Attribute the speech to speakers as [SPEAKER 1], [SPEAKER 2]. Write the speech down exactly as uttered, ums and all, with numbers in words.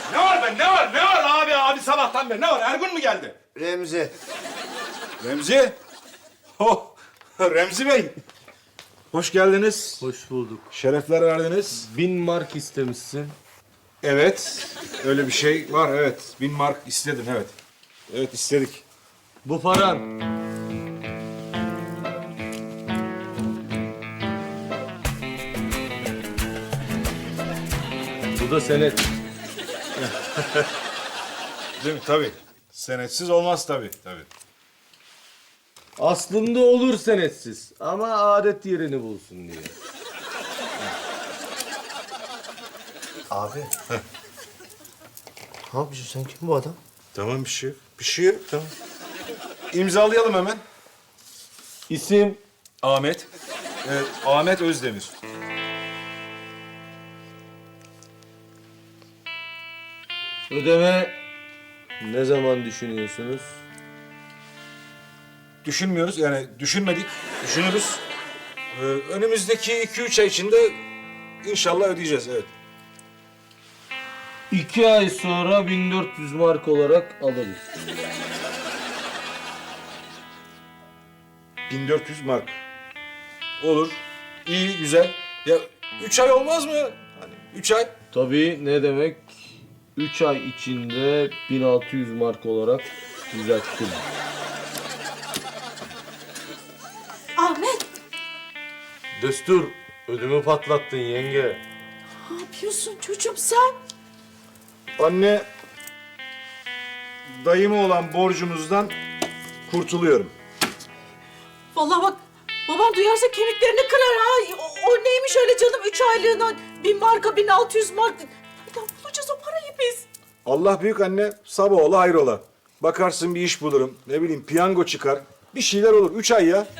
[SPEAKER 1] Ne var ben? Ne var? Ne var abi? Abi sabahtan beri ne var? Ergun mu geldi?
[SPEAKER 2] Remzi.
[SPEAKER 1] Remzi. Oh, Remzi Bey. Hoş geldiniz.
[SPEAKER 3] Hoş bulduk.
[SPEAKER 1] Şerefler verdiniz.
[SPEAKER 3] Bin mark istemişsin.
[SPEAKER 1] Evet. Öyle bir şey var evet. Bin mark istedin evet. Evet istedik.
[SPEAKER 3] Bu paran. Bu da senet.
[SPEAKER 1] Değil mi? Tabii. Senetsiz olmaz tabii. Tabii.
[SPEAKER 3] Aslında olur senetsiz ama adet yerini bulsun diye.
[SPEAKER 2] Abi. Ne yapıyorsun sen? Kim bu adam?
[SPEAKER 1] Tamam bir şey yok. Bir şey yok tamam. İmzalayalım hemen.
[SPEAKER 3] İsim
[SPEAKER 1] Ahmet. Evet, Ahmet Özdemir.
[SPEAKER 3] ödeme ne zaman düşünüyorsunuz?
[SPEAKER 1] Düşünmüyoruz yani düşünmedik. Düşünürüz. Ee, önümüzdeki iki üç ay içinde inşallah ödeyeceğiz evet.
[SPEAKER 3] İki ay sonra bin dört yüz mark olarak alırız.
[SPEAKER 1] bin dört yüz mark. Olur. İyi, güzel. Ya üç ay olmaz mı? Hani üç ay.
[SPEAKER 3] Tabii ne demek? Üç ay içinde bin altı yüz mark olarak düzelttim.
[SPEAKER 4] Ahmet,
[SPEAKER 3] Destur, ödümü patlattın yenge.
[SPEAKER 4] ne yapıyorsun çocuğum sen?
[SPEAKER 1] Anne, dayıma olan borcumuzdan kurtuluyorum.
[SPEAKER 4] Vallahi bak, babam duyarsa kemiklerini kırar ha. O, o neymiş öyle canım, üç aylığına bin marka, bin altı yüz mark. Nereden bulacağız o parayı biz?
[SPEAKER 1] Allah büyük anne, sabah ola hayrola. Bakarsın bir iş bulurum, ne bileyim piyango çıkar. Bir şeyler olur. Üç ay ya.